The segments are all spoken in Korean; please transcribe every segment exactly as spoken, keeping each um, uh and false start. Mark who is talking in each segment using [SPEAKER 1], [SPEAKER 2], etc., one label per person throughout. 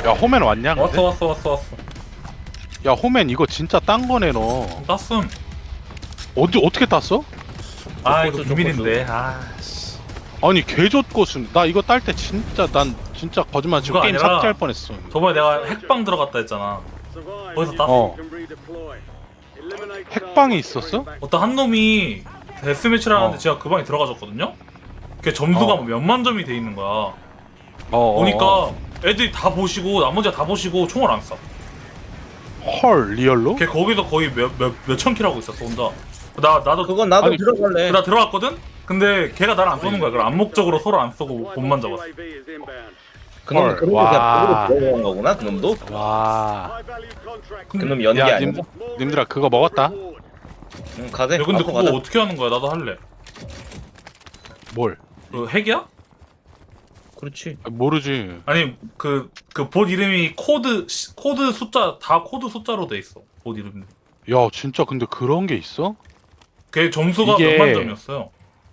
[SPEAKER 1] 야 호맨 왔냐 근데?
[SPEAKER 2] 왔어 왔어 왔어 왔어.
[SPEAKER 1] 야 호맨 이거 진짜 딴 거네 너.
[SPEAKER 2] 땄음.
[SPEAKER 1] 어디 어떻게 땄어?
[SPEAKER 2] 아 이거
[SPEAKER 3] 줬고,
[SPEAKER 2] 비밀인데. 아씨.
[SPEAKER 1] 아니 개좋고순 나 이거 딸 때 진짜 난 진짜 거짓말 치고
[SPEAKER 2] 그거
[SPEAKER 1] 게임
[SPEAKER 2] 아니라-
[SPEAKER 1] 삭제할 뻔했어.
[SPEAKER 2] 저번에 내가 핵방 들어갔다 했잖아. 거기서 땄어.
[SPEAKER 1] 어. 핵방이 있었어?
[SPEAKER 2] 어떤 한 놈이 데스매치를 하는데
[SPEAKER 1] 어.
[SPEAKER 2] 제가 그 방에 들어가졌거든요? 걔 점수가
[SPEAKER 1] 어.
[SPEAKER 2] 뭐 몇만 점이 돼 있는 거야.
[SPEAKER 1] 어, 어,
[SPEAKER 2] 보니까
[SPEAKER 1] 어.
[SPEAKER 2] 애들이 다 보시고 나머지가 다 보시고 총을 안 쏴.
[SPEAKER 1] 헐 리얼로?
[SPEAKER 2] 걔 거기서 거의 몇, 몇, 몇천 킬 하고 있었어 혼자. 나, 나도
[SPEAKER 3] 그건 나도
[SPEAKER 1] 아니,
[SPEAKER 3] 들어갈래.
[SPEAKER 2] 나 들어갔거든? 근데 걔가 나를 안 쏘는 거야. 그럼 암묵적으로 서로 안 쏘고 본만 잡았어.
[SPEAKER 3] 그놈
[SPEAKER 1] 헐,
[SPEAKER 3] 그런 거
[SPEAKER 1] 와.
[SPEAKER 3] 그냥 보고 들어간 거구나. 그놈도.
[SPEAKER 1] 와.
[SPEAKER 3] 그놈 연기
[SPEAKER 1] 야
[SPEAKER 3] 아니야.
[SPEAKER 1] 님, 님들아 그거 먹었다?
[SPEAKER 3] 응 가세.
[SPEAKER 2] 야 근데
[SPEAKER 3] 앞으로
[SPEAKER 2] 그거
[SPEAKER 3] 가자.
[SPEAKER 2] 어떻게 하는 거야? 나도 할래.
[SPEAKER 1] 뭘?
[SPEAKER 2] 그 핵이야?
[SPEAKER 3] 그렇지.
[SPEAKER 1] 아, 모르지.
[SPEAKER 2] 아니 그 그 봇 이름이 코드 시- 코드 숫자 다 코드 숫자로 돼 있어. 봇 이름.
[SPEAKER 1] 야 진짜 근데 그런 게 있어?
[SPEAKER 2] 걔 점수가
[SPEAKER 1] 이게-
[SPEAKER 2] 몇만 점이었어요.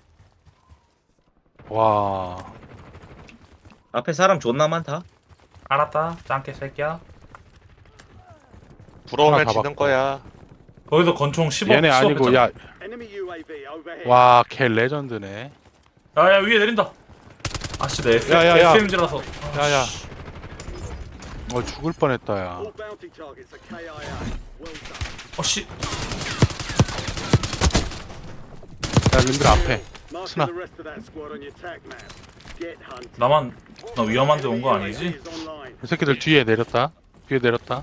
[SPEAKER 1] 와.
[SPEAKER 3] 앞에 사람 존나 많다.
[SPEAKER 2] 알았다. 짱깨 새끼야.
[SPEAKER 4] 부러우면
[SPEAKER 1] 하나
[SPEAKER 4] 지는
[SPEAKER 1] 잡았고.
[SPEAKER 4] 거야.
[SPEAKER 2] 거기서 권총 십억.
[SPEAKER 1] 얘네 아니고 야. 와, 걔 레전드네.
[SPEAKER 2] 야야 위에 내린다. 아씨 내
[SPEAKER 1] 야, 야, 야.
[SPEAKER 2] 에스엠지라서.
[SPEAKER 1] 야야. 어 죽을 뻔했다 야.
[SPEAKER 2] 어씨.
[SPEAKER 1] 야 님들 앞에. 스나.
[SPEAKER 2] 나만 나 위험한데 온 거 아니지?
[SPEAKER 1] 이 새끼들 뒤에 내렸다. 뒤에 내렸다.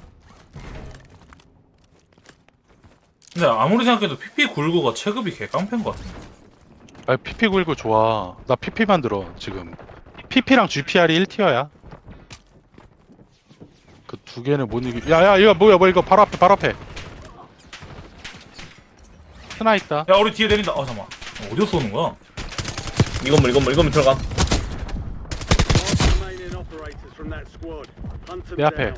[SPEAKER 2] 근데 아무리 생각해도 피피 구십구가 체급이 개 깡패인 것 같은데.
[SPEAKER 1] 아 피피 구십구 좋아. 나 피피만 들어 지금. 피피랑 지피알이 일 티어야. 그 두 개는 못 이기. 야야 이거 뭐야 뭐 이거 바로 앞에 바로 앞에. 스나 있다.
[SPEAKER 2] 야 우리 뒤에 내린다. 아 잠깐만. 어디서 쏘는 거야?
[SPEAKER 3] 이건물 이건물 이건물 들어가.
[SPEAKER 1] 내 앞에.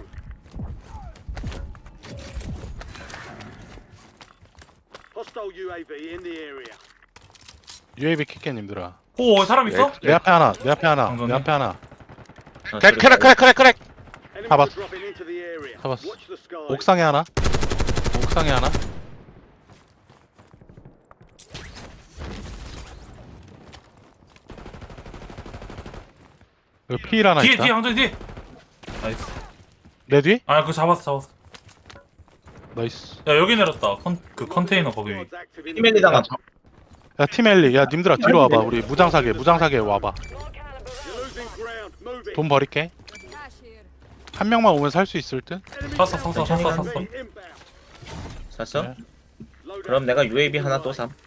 [SPEAKER 1] 유에이비 킬게 님들아.
[SPEAKER 2] 오 사람 있어?
[SPEAKER 1] 내 앞에 하나. 내 앞에 하나.
[SPEAKER 2] 장전해?
[SPEAKER 1] 내 앞에 하나.
[SPEAKER 3] 아,
[SPEAKER 4] 크랙 크랙 크랙 크랙 크랙.
[SPEAKER 1] 잡았어. 잡았어. 옥상에 하나. 옥상에 하나. 여기 피일 하나
[SPEAKER 2] 뒤에
[SPEAKER 1] 있다.
[SPEAKER 2] 뒤에 항전 뒤에. 나이스.
[SPEAKER 1] 내 뒤?
[SPEAKER 2] 아 그거 잡았어 잡았어.
[SPEAKER 1] 나이스.
[SPEAKER 2] 야 여기 내렸다. 컨, 그 컨테이너 거기 위.
[SPEAKER 3] 피멜리 당함.
[SPEAKER 1] 야 팀엘리. 야 님들아 뒤로 와봐. 우리 무장사계 무장사계 와봐. 돈 버릴게. 한 명만 오면 살 수 있을 듯?
[SPEAKER 2] 샀어 샀어 샀어 샀어.
[SPEAKER 3] 샀어?
[SPEAKER 1] 네.
[SPEAKER 3] 그럼 내가 유에이비 하나 또 삼.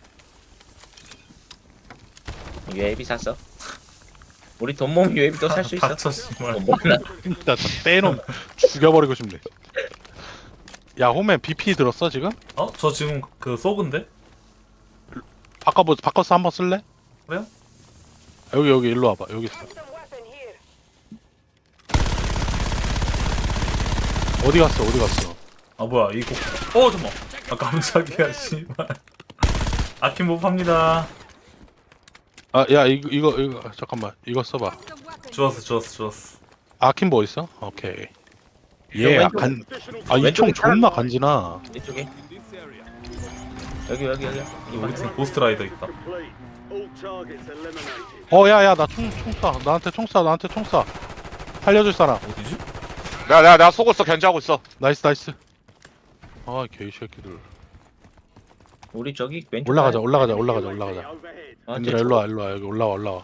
[SPEAKER 3] 유에이비 샀어. 우리 돈 모으면 유에이비 또 살 수 있어.
[SPEAKER 2] 닥쳐 씨발.
[SPEAKER 3] 돈 모으나?
[SPEAKER 1] 진짜 저 떼놈 죽여버리고 싶네. 야 홈맨 비피 들었어 지금?
[SPEAKER 2] 어? 저 지금 그 쏘근데?
[SPEAKER 1] 바꿔보 바꿔서 한번 쓸래?
[SPEAKER 2] 그래요?
[SPEAKER 1] 여기 여기 일로 와봐. 여기 있어. 어디 갔어? 어디 갔어?
[SPEAKER 2] 아 뭐야 이거. 어 잠깐만. 아 깜짝이야 씨발. 아킴 못 팝니다.
[SPEAKER 1] 아 야 이거 이거 이거 잠깐만 이거 써봐.
[SPEAKER 2] 주웠어 주웠어 주웠어.
[SPEAKER 1] 아킨보 있어? 오케이. 예,
[SPEAKER 3] 왼쪽.
[SPEAKER 1] 간. 아 이 총
[SPEAKER 3] 왼쪽에
[SPEAKER 1] 존나 간지나.
[SPEAKER 3] 이쪽에. 여기 여기 여기.
[SPEAKER 2] 우리 팀 고스트라이더 있다.
[SPEAKER 1] 어, 야, 야, 나 총, 총 쏴. 나한테 총 쏴. 나한테 총 쏴. 살려줄 사람.
[SPEAKER 2] 어디지?
[SPEAKER 4] 내가 내가 내가 속고 있어 견제하고 있어.
[SPEAKER 1] 나이스, 나이스. 아, 개이 새끼들.
[SPEAKER 3] 우리 저기 왼쪽.
[SPEAKER 1] 올라가자, 올라가자, 올라가자, 올라가자.
[SPEAKER 3] 아,
[SPEAKER 1] 얘들아, 일로 와, 일로 와. 여기 올라와, 올라와.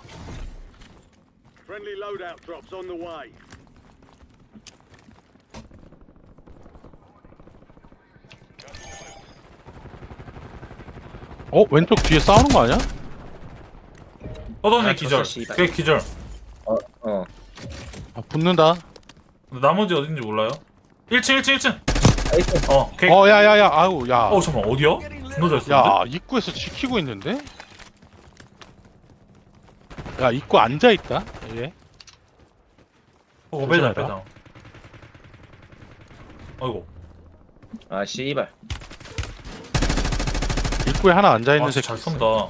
[SPEAKER 1] 어, 왼쪽 뒤에 싸우는 거 아니야?
[SPEAKER 2] 떠던의
[SPEAKER 3] 아,
[SPEAKER 2] 기절.
[SPEAKER 3] 졌어, 씨발.
[SPEAKER 2] 걔 기절.
[SPEAKER 3] 어 어.
[SPEAKER 1] 아, 붙는다.
[SPEAKER 2] 근데 나머지 어딘지 몰라요? 일 층 일 층 일 층.
[SPEAKER 3] 나이스.
[SPEAKER 2] 어 걔.
[SPEAKER 1] 어, 야, 야, 야, 아우, 야.
[SPEAKER 2] 어 잠깐만 어디야? 존나 잘 쏘는데?
[SPEAKER 1] 야, 입구에서 지키고 있는데? 야, 입구 앉아있다? 얘.
[SPEAKER 2] 어 매장
[SPEAKER 1] 조심해라.
[SPEAKER 2] 매장. 아이고.
[SPEAKER 3] 아 씨발.
[SPEAKER 1] 입구에 하나 앉아있는
[SPEAKER 2] 아
[SPEAKER 1] 새끼.
[SPEAKER 2] 진짜 잘
[SPEAKER 1] 있어.
[SPEAKER 2] 쏜다.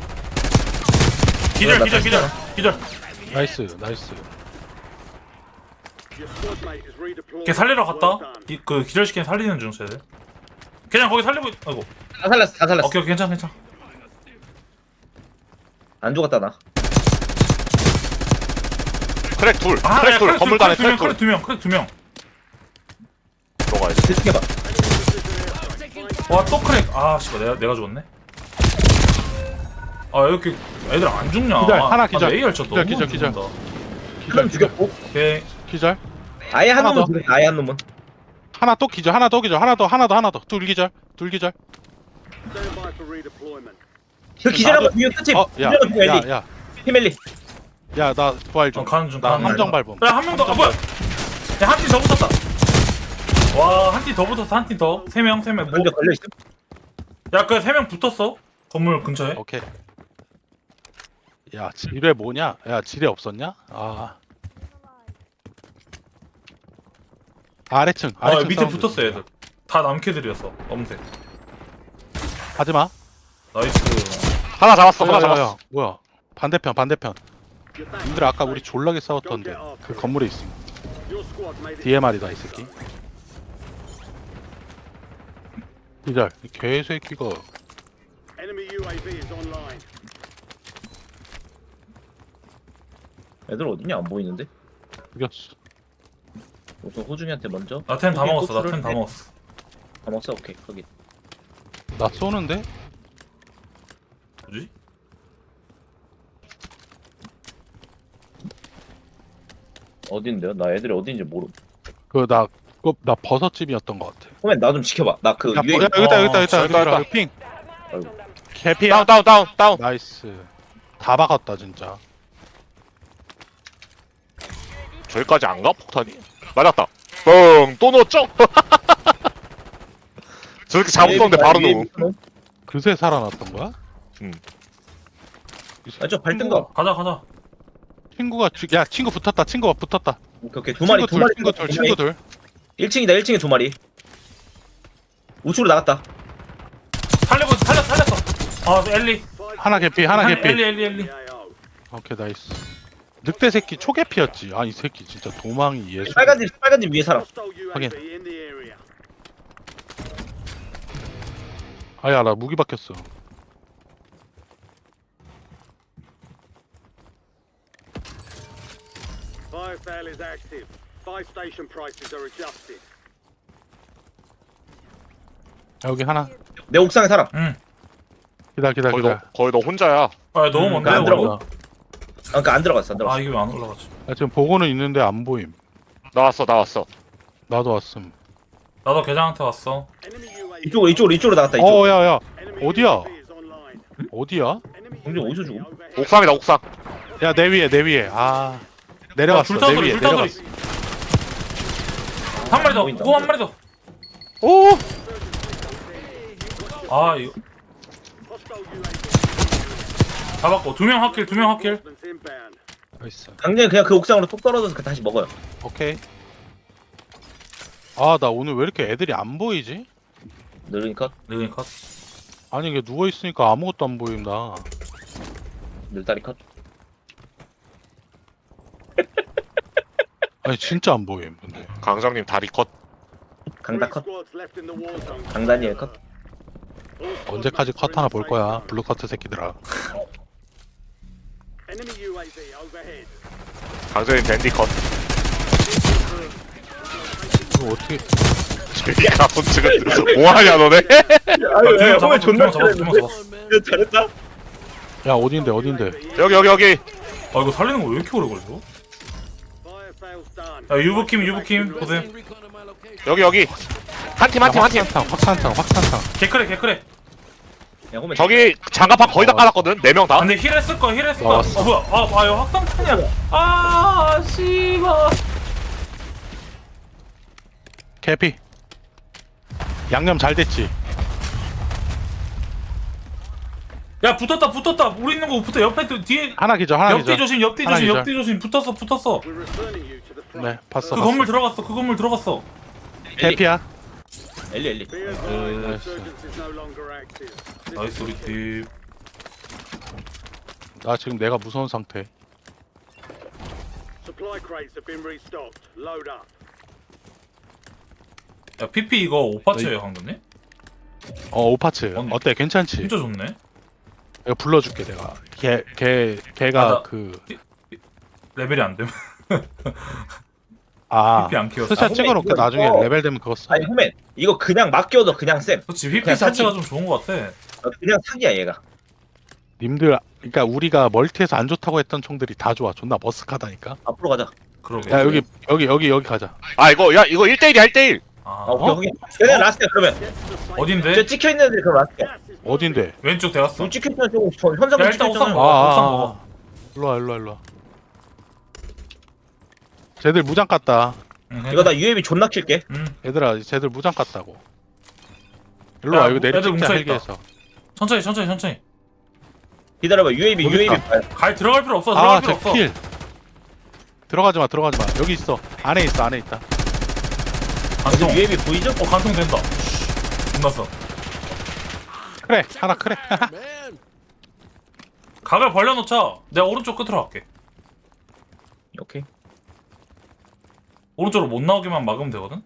[SPEAKER 2] 기절
[SPEAKER 3] 나
[SPEAKER 2] 기절 기절
[SPEAKER 3] 뺐어.
[SPEAKER 2] 기절.
[SPEAKER 1] 나이스, 나이스.
[SPEAKER 2] 걔 살리러 갔다. 이, 그 기절시킨 살리는 중 쟤들. 그냥 거기 살리고 있... 아이고.
[SPEAKER 3] 다 살렸어 다 살렸어.
[SPEAKER 2] 오케이 오케이 괜찮아 괜찮아.
[SPEAKER 3] 안 죽었다 나.
[SPEAKER 4] 크랙 둘
[SPEAKER 2] 아,
[SPEAKER 4] 크랙
[SPEAKER 2] 야,
[SPEAKER 4] 둘
[SPEAKER 2] 크랙
[SPEAKER 4] 건물 단에
[SPEAKER 2] 크랙
[SPEAKER 4] 크랙
[SPEAKER 2] 두 명,
[SPEAKER 4] 둘
[SPEAKER 2] 크랙 두 명, 크랙 두 명.
[SPEAKER 4] 들어가야 돼.
[SPEAKER 3] 대충 해봐.
[SPEAKER 2] 와 또 크랙. 아 씨발 내가 내가 죽었네. 아 이렇게 애들 안 죽냐?
[SPEAKER 1] 기절,
[SPEAKER 2] 아,
[SPEAKER 1] 하나
[SPEAKER 2] 아,
[SPEAKER 1] 기절.
[SPEAKER 2] A 열차
[SPEAKER 1] 기절,
[SPEAKER 2] 너무
[SPEAKER 1] 기절, 기절.
[SPEAKER 2] 죽는다.
[SPEAKER 3] 한 놈 죽였고.
[SPEAKER 2] 오케이.
[SPEAKER 1] 기절.
[SPEAKER 3] 아예 한
[SPEAKER 1] 하나
[SPEAKER 3] 놈은
[SPEAKER 1] 더.
[SPEAKER 3] 죽였어. 아예 한 놈은.
[SPEAKER 1] 하나 또 기절. 하나 더 기절. 하나 더 하나 더 하나 더. 둘 기절. 둘 기절.
[SPEAKER 3] 그 기절한 거 비유 끝이.
[SPEAKER 1] 어, 야,
[SPEAKER 3] 기절한 거
[SPEAKER 1] 야,
[SPEAKER 3] 엘리.
[SPEAKER 1] 야,
[SPEAKER 3] 피멜리.
[SPEAKER 1] 야, 나 부활 좀.
[SPEAKER 2] 어, 가는 중,
[SPEAKER 1] 나
[SPEAKER 2] 가는 중.
[SPEAKER 1] 함정 밟음.
[SPEAKER 2] 야한 명 더. 아 뭐야? 야한 팀 더 붙었다. 와 한 팀 더 붙었어 한 팀 더. 세 명 세 명. 뭐?
[SPEAKER 3] 먼저 걸려 있어.
[SPEAKER 2] 야그 세 명 붙었어. 건물 근처에.
[SPEAKER 1] 오케이. 야, 지뢰 뭐냐? 야, 지뢰 없었냐? 아. 아래층.
[SPEAKER 2] 아
[SPEAKER 1] 아래층
[SPEAKER 2] 밑에
[SPEAKER 1] 사운드.
[SPEAKER 2] 붙었어 얘들. 다 남캐들이었어. 검색.
[SPEAKER 1] 하지 마.
[SPEAKER 2] 나이스.
[SPEAKER 4] 하나 잡았어
[SPEAKER 1] 야,
[SPEAKER 4] 하나
[SPEAKER 1] 야,
[SPEAKER 4] 잡았어.
[SPEAKER 1] 야, 뭐야? 반대편, 반대편. 님들 아까 우리 졸라게 싸웠던데 그 건물에 있음. 디엠알이다 이 새끼. 기절. 이 개새끼가.
[SPEAKER 3] 애들 어디냐 안 보이는데?
[SPEAKER 1] 죽였어.
[SPEAKER 3] 우선 호중이한테 먼저.
[SPEAKER 2] 나 템 다
[SPEAKER 3] 호중이
[SPEAKER 2] 먹었어. 나
[SPEAKER 3] 꽃을-
[SPEAKER 2] 템 다
[SPEAKER 3] 네,
[SPEAKER 2] 먹었어.
[SPEAKER 3] 다 먹었어. 오케이 거기.
[SPEAKER 1] 나 쏘는데?
[SPEAKER 2] 뭐지?
[SPEAKER 3] 어딘데요? 나 애들이 어딘지 모르.
[SPEAKER 1] 그나 그거 나 버섯집이었던 것 같아.
[SPEAKER 3] 호맨 나 좀 지켜봐. 나 그
[SPEAKER 1] 야,
[SPEAKER 3] 유에.
[SPEAKER 1] 버- 야 여기다 여기다 여기다
[SPEAKER 4] 어,
[SPEAKER 1] 여기다
[SPEAKER 4] 여기다.
[SPEAKER 1] 여기 핑.
[SPEAKER 3] 아이고.
[SPEAKER 1] 개피야.
[SPEAKER 4] 다운 다운 다운 다운.
[SPEAKER 1] 나이스. 다 박았다 진짜.
[SPEAKER 4] 저기까지 안 가? 폭탄이? 맞았다. 뻥! 또 넣었죠? 저렇게 잘못 썼는데 바로 넣음.
[SPEAKER 1] 그새 살아났던 거야?
[SPEAKER 4] 음.
[SPEAKER 3] 아저 발등거.
[SPEAKER 2] 가자 가자.
[SPEAKER 1] 친구가 주- 야 친구 붙었다. 친구가 붙었다.
[SPEAKER 3] 오케이 오케이 두 마리
[SPEAKER 1] 친구
[SPEAKER 3] 두
[SPEAKER 1] 둘,
[SPEAKER 3] 마리.
[SPEAKER 1] 친구 둘, 친구 둘.
[SPEAKER 3] 일 층이다 일 층에 두 마리. 우측으로 나갔다.
[SPEAKER 2] 살리고 살렸 살렸어. 아 엘리.
[SPEAKER 1] 하나 개피, 하나
[SPEAKER 2] 한-
[SPEAKER 1] 개피.
[SPEAKER 2] 엘리 엘리 엘리.
[SPEAKER 1] 오케이 나이스. 늑대 새끼 초개피였지. 아 이 새끼 진짜 도망이 예술.
[SPEAKER 3] 빨간 집 빨간 집 위에 살아.
[SPEAKER 1] 확인. 아야 나 무기 바뀌었어.
[SPEAKER 5] Fire sale is active. Buy station prices are adjusted.
[SPEAKER 1] 여기 하나.
[SPEAKER 3] 내 옥상에 살아.
[SPEAKER 2] 응.
[SPEAKER 1] 기다 기다
[SPEAKER 4] 거의 너,
[SPEAKER 1] 기다.
[SPEAKER 4] 거의 너 혼자야.
[SPEAKER 2] 아 너무
[SPEAKER 1] 음,
[SPEAKER 2] 먼데.
[SPEAKER 3] 안 들어가.
[SPEAKER 2] 올라가.
[SPEAKER 3] 아, 그러니까 안 들어갔어 안
[SPEAKER 2] 아
[SPEAKER 3] 들어갔어.
[SPEAKER 2] 이게 왜 안 올라가지?
[SPEAKER 1] 야, 지금 보고는 있는데 안 보임.
[SPEAKER 4] 나왔어 나왔어.
[SPEAKER 1] 나도 왔음.
[SPEAKER 2] 나도 계장한테 왔어.
[SPEAKER 5] Enemy U A V.
[SPEAKER 3] 이쪽으로 이쪽으로 이쪽으로 나갔다 이쪽.
[SPEAKER 1] 어 야야
[SPEAKER 5] Enemy
[SPEAKER 1] 어디야?
[SPEAKER 5] U A V is online.
[SPEAKER 1] 어디야?
[SPEAKER 5] Enemy
[SPEAKER 3] 공중
[SPEAKER 5] U A V
[SPEAKER 3] 어디서 죽음?
[SPEAKER 5] overhead.
[SPEAKER 4] 옥상이다 옥상.
[SPEAKER 1] 야 내 위에 내 위에. 아 내려갔어.
[SPEAKER 2] 아, 불타
[SPEAKER 1] 내
[SPEAKER 2] 소리
[SPEAKER 1] 위에
[SPEAKER 2] 불타 소리.
[SPEAKER 1] 내려갔어.
[SPEAKER 2] 한 마리 더.
[SPEAKER 3] 보인다.
[SPEAKER 2] 오 한 마리 더.
[SPEAKER 1] 오.
[SPEAKER 2] 아 이거
[SPEAKER 5] Hostile U A V.
[SPEAKER 2] 잡았고 두 명 확킬 두 명 확킬.
[SPEAKER 5] Movements inbound.
[SPEAKER 1] 나이스.
[SPEAKER 3] 강렬 그냥 그 옥상으로 톡 떨어져서 그 다시 먹어요.
[SPEAKER 1] 오케이. 아 나 오늘 왜 이렇게 애들이 안 보이지?
[SPEAKER 3] 늘으니까
[SPEAKER 2] 네 컷.
[SPEAKER 1] 아니 이게 누워 있으니까 아무것도 안 보인다.
[SPEAKER 3] 늘다리 컷.
[SPEAKER 1] 아니 진짜 안 보임. 근데
[SPEAKER 4] 강장님 다리 컷.
[SPEAKER 3] 강다
[SPEAKER 5] Three
[SPEAKER 3] 컷.
[SPEAKER 5] squads left in the war zone.
[SPEAKER 3] 강다니엘 컷.
[SPEAKER 5] All squads
[SPEAKER 1] 언제까지
[SPEAKER 5] mates
[SPEAKER 1] 컷
[SPEAKER 5] are
[SPEAKER 1] 하나
[SPEAKER 5] in
[SPEAKER 1] 볼
[SPEAKER 5] the
[SPEAKER 1] 거야.
[SPEAKER 5] safe zone.
[SPEAKER 1] 블루 커트 새끼들아.
[SPEAKER 5] Enemy U A V overhead.
[SPEAKER 4] 강장님 밴디 컷.
[SPEAKER 1] 이거 어떻게?
[SPEAKER 4] 저기가 손측은 뭐하냐 너네?
[SPEAKER 3] 아유
[SPEAKER 2] 두명 잡았어 두 명 잡았어 두 명 잡았어.
[SPEAKER 3] 잘했다.
[SPEAKER 1] 야 어딘데 어딘데?
[SPEAKER 4] 여기 여기 여기.
[SPEAKER 2] 아 이거 살리는 거 왜 이렇게 오래 걸려?
[SPEAKER 5] Fire sales done.
[SPEAKER 2] 야 유부킴 유부킴 보세요.
[SPEAKER 4] 여기 여기. 한 팀 한 팀 한 팀.
[SPEAKER 1] 확산탕 확산탕 확산탕.
[SPEAKER 2] 개크래 개크래.
[SPEAKER 3] 야 호맨.
[SPEAKER 4] 저기 장갑판 거의 다 깔았거든. 네 명 다.
[SPEAKER 2] 아, 근데 힐 했을 거야 힐 했을 거야.
[SPEAKER 1] 나왔어.
[SPEAKER 2] 어 뭐야? 아, 아 이거 확산탄이야. 아 씨발.
[SPEAKER 1] 캐피. 양념 잘 됐지.
[SPEAKER 2] 야 붙었다 붙었다. 우리 있는 거 붙어. 옆에 또 뒤에.
[SPEAKER 1] 하나 기절 하나
[SPEAKER 2] 옆뒤
[SPEAKER 1] 기절.
[SPEAKER 2] 조심 옆뒤
[SPEAKER 1] 하나
[SPEAKER 2] 조심
[SPEAKER 1] 기절.
[SPEAKER 2] 옆뒤 조심. 붙었어 붙었어.
[SPEAKER 5] We're returning you to the front.
[SPEAKER 1] 네 봤어.
[SPEAKER 2] 그
[SPEAKER 1] 봤어.
[SPEAKER 2] 건물 들어갔어 그 건물 들어갔어.
[SPEAKER 1] 캐피야.
[SPEAKER 3] 엘리 엘리.
[SPEAKER 5] Be advised,
[SPEAKER 1] nice.
[SPEAKER 5] insurgents is no longer active. This
[SPEAKER 2] 나이스 우리 팀.
[SPEAKER 1] 나 지금 내가 무서운 상태.
[SPEAKER 5] Supply crates have been restocked. Load up.
[SPEAKER 2] 야 피피 이거 오파츠예요 황금님?
[SPEAKER 1] 어 오파츠
[SPEAKER 2] 언니.
[SPEAKER 1] 어때 괜찮지?
[SPEAKER 2] 진짜 좋네.
[SPEAKER 1] 이거 불러줄게 내가. 걔 걔 걔가
[SPEAKER 2] 아, 나-
[SPEAKER 1] 그
[SPEAKER 2] 레벨이 안 되면
[SPEAKER 1] 아,
[SPEAKER 2] 피피 안 키웠어.
[SPEAKER 1] 스샷
[SPEAKER 3] 아,
[SPEAKER 1] 찍어놓고
[SPEAKER 3] 이거-
[SPEAKER 1] 나중에
[SPEAKER 3] 이거-
[SPEAKER 1] 레벨 되면 그거 써.
[SPEAKER 3] 아니 후맨 이거 그냥 맡겨도 그냥 쌤.
[SPEAKER 2] 그렇지 피피
[SPEAKER 3] 그냥
[SPEAKER 2] 자체가
[SPEAKER 3] 사기.
[SPEAKER 2] 좀 좋은 것 같아.
[SPEAKER 3] 어, 그냥 사기야 얘가.
[SPEAKER 1] 님들 그러니까 우리가 멀티에서 안 좋다고 했던 총들이 다 좋아. 존나 머쓱하다니까.
[SPEAKER 3] 앞으로 가자.
[SPEAKER 2] 그러게.
[SPEAKER 1] 야 여기 여기 여기 여기 가자.
[SPEAKER 4] 아 이거 야 이거 일 대일이야 일 대일.
[SPEAKER 2] 아,
[SPEAKER 3] 아, 오케이
[SPEAKER 1] 어?
[SPEAKER 3] 오케이. 그냥 라스트야 그러면.
[SPEAKER 5] Get to the safe
[SPEAKER 3] 저
[SPEAKER 2] 어딘데?
[SPEAKER 3] 찍혀 있는 애들 그럼 라스트야.
[SPEAKER 5] Gas is
[SPEAKER 1] 어딘데?
[SPEAKER 2] 왼쪽 대갔어.
[SPEAKER 3] 눈 찍혀 있는 조금 현상금
[SPEAKER 2] 야,
[SPEAKER 3] 찍혀
[SPEAKER 2] 일단 옥상
[SPEAKER 3] 있잖아.
[SPEAKER 2] 먹어.
[SPEAKER 1] 아,
[SPEAKER 2] 옥상
[SPEAKER 1] 아,
[SPEAKER 2] 먹어.
[SPEAKER 1] 아. 일로와 일로와 일로와. 쟤들 무장 깠다.
[SPEAKER 2] 응,
[SPEAKER 3] 이거 나 유에이비 존나 킬게.
[SPEAKER 2] 응.
[SPEAKER 1] 얘들아 쟤들 무장 깠다고. 일로와
[SPEAKER 2] 야,
[SPEAKER 1] 이거
[SPEAKER 2] 애들
[SPEAKER 1] 내리찍자
[SPEAKER 2] 뭉쳐있다.
[SPEAKER 1] 헬기에서.
[SPEAKER 2] 천천히 천천히 천천히.
[SPEAKER 3] 기다려봐 유에이비
[SPEAKER 1] 여기
[SPEAKER 3] 유에이비
[SPEAKER 1] 있다.
[SPEAKER 3] 봐요.
[SPEAKER 2] 갈 들어갈 필요 없어. 들어갈 필요 없어.
[SPEAKER 1] 아쟤 킬. 들어가지 마 들어가지 마. 여기 있어. 안에 있어 안에 있다.
[SPEAKER 2] 간통.
[SPEAKER 3] 지금 유에이비 보이죠?
[SPEAKER 2] 어 간통 된다. 끝났어.
[SPEAKER 1] 그래 하나 그래.
[SPEAKER 2] 각을 벌려놓자. 내가 오른쪽 끝으로 갈게.
[SPEAKER 3] 오케이.
[SPEAKER 2] 오른쪽으로 못 나오게만 막으면 되거든.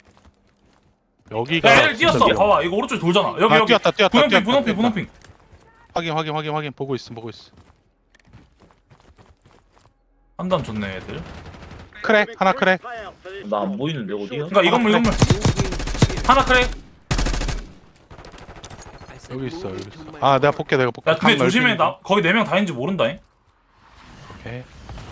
[SPEAKER 1] 여기가
[SPEAKER 2] 야 애들 뛰었어.
[SPEAKER 1] 진짜 위험-
[SPEAKER 2] 봐봐 이거 오른쪽 돌잖아. 여기
[SPEAKER 1] 아,
[SPEAKER 2] 여기.
[SPEAKER 1] 뛰었다 뛰었다
[SPEAKER 2] 분홍핑
[SPEAKER 1] 뛰었다,
[SPEAKER 2] 분홍핑
[SPEAKER 1] 뛰었다.
[SPEAKER 2] 분홍핑.
[SPEAKER 1] 확인 확인 확인 확인 보고 있음 보고 있어.
[SPEAKER 2] 판단 좋네 애들.
[SPEAKER 1] 크랙 하나 크랙.
[SPEAKER 5] payout for this
[SPEAKER 3] 나 안
[SPEAKER 5] job.
[SPEAKER 3] 보이는데 어디야?
[SPEAKER 2] 그러니까 이 건물 이 건물. 하나 크랙.
[SPEAKER 1] 여기 있어 여기 있어. 아 내가 볼게 내가 볼게.
[SPEAKER 2] 야 근데
[SPEAKER 1] 각
[SPEAKER 2] 조심해.
[SPEAKER 1] 넓히는
[SPEAKER 2] 나 거기 네 명 다인지 모른다잉.
[SPEAKER 1] 오케이.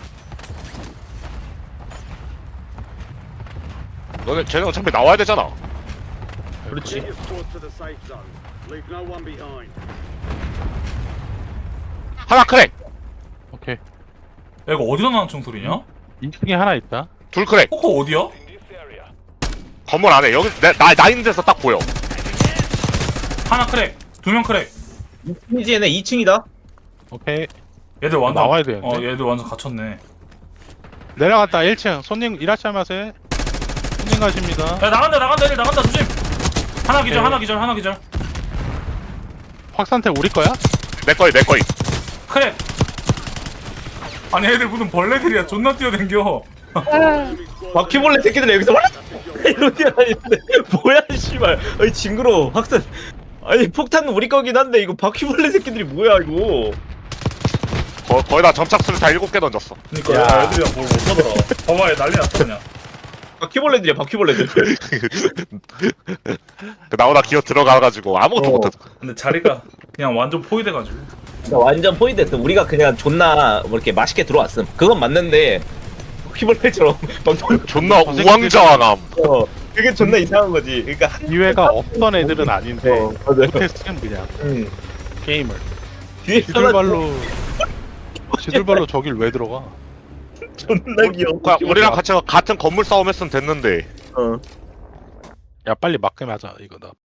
[SPEAKER 4] 너네 쟤는 어차피 나와야 되잖아.
[SPEAKER 3] 그렇지.
[SPEAKER 5] Get your squad to the safe zone. Leave no one behind.
[SPEAKER 4] 하나 크랙.
[SPEAKER 1] 오케이.
[SPEAKER 2] 야 이거 어디서 나는 총소리냐?
[SPEAKER 1] 이 층에 하나 있다.
[SPEAKER 4] 둘 크랙.
[SPEAKER 2] 코코 어디야?
[SPEAKER 4] 건물 안에 여기 내, 나, 나 있는 데서 딱 보여.
[SPEAKER 2] 하나 크랙. 두 명 크랙.
[SPEAKER 3] 이층이지 얘네 이 층이다.
[SPEAKER 1] 오케이.
[SPEAKER 2] 얘들 완전
[SPEAKER 1] 나와야 되는데?
[SPEAKER 2] 어 얘들 완전 갇혔네.
[SPEAKER 1] 내려갔다 일 층. 손님 이라시마세. 손님 가십니다.
[SPEAKER 2] 야 나간다 나간다 얘들 나간다 조심. 하나 기절
[SPEAKER 1] 오케이.
[SPEAKER 2] 하나 기절 하나 기절.
[SPEAKER 1] 확산태 우리 거야?
[SPEAKER 4] 내 거이 내 거이.
[SPEAKER 2] 크랙. 아니 애들 무슨 벌레들이야. 존나 뛰어댕겨.
[SPEAKER 3] 바퀴벌레 새끼들 여기서 와 이런 게 아닌데 뭐야 씨발. 아니 징그러워. 확산. 아니 폭탄은 우리 거긴 한데 이거 바퀴벌레 새끼들이 뭐야 이거.
[SPEAKER 4] 거, 거의 다 점착수를 다 일곱 개 던졌어.
[SPEAKER 2] 그니까
[SPEAKER 1] 야.
[SPEAKER 2] 야, 애들이랑 뭘 못하더라. 봐봐 얘 난리 났어 그냥.
[SPEAKER 3] 바퀴벌레들이야 바퀴벌레들.
[SPEAKER 4] 그 나오다 기어 들어가가지고 아무것도
[SPEAKER 3] 어.
[SPEAKER 4] 못했어.
[SPEAKER 2] 근데 자리가 그냥 완전 포위돼가지고.
[SPEAKER 3] 완전 포인트였어. 우리가 그냥 존나 뭐 이렇게 맛있게 들어왔음. 그건 맞는데 바퀴벌레처럼 막
[SPEAKER 4] 존나 우왕좌왕함.
[SPEAKER 3] 어, 그게 존나 이상한 거지. 그러니까 한
[SPEAKER 1] 기회가 없던 애들은 아닌데
[SPEAKER 3] 어, 맞아요.
[SPEAKER 1] 못했음 그냥
[SPEAKER 3] 음.
[SPEAKER 1] 게임을.
[SPEAKER 3] 뒤에
[SPEAKER 1] 지들발로 지들발로 저길 왜 들어가?
[SPEAKER 3] 존나 귀여워.
[SPEAKER 4] 그냥 우리랑 같이 같은 건물 싸움 했으면 됐는데.
[SPEAKER 3] 어.
[SPEAKER 1] 야 빨리 막게 하자 이거 나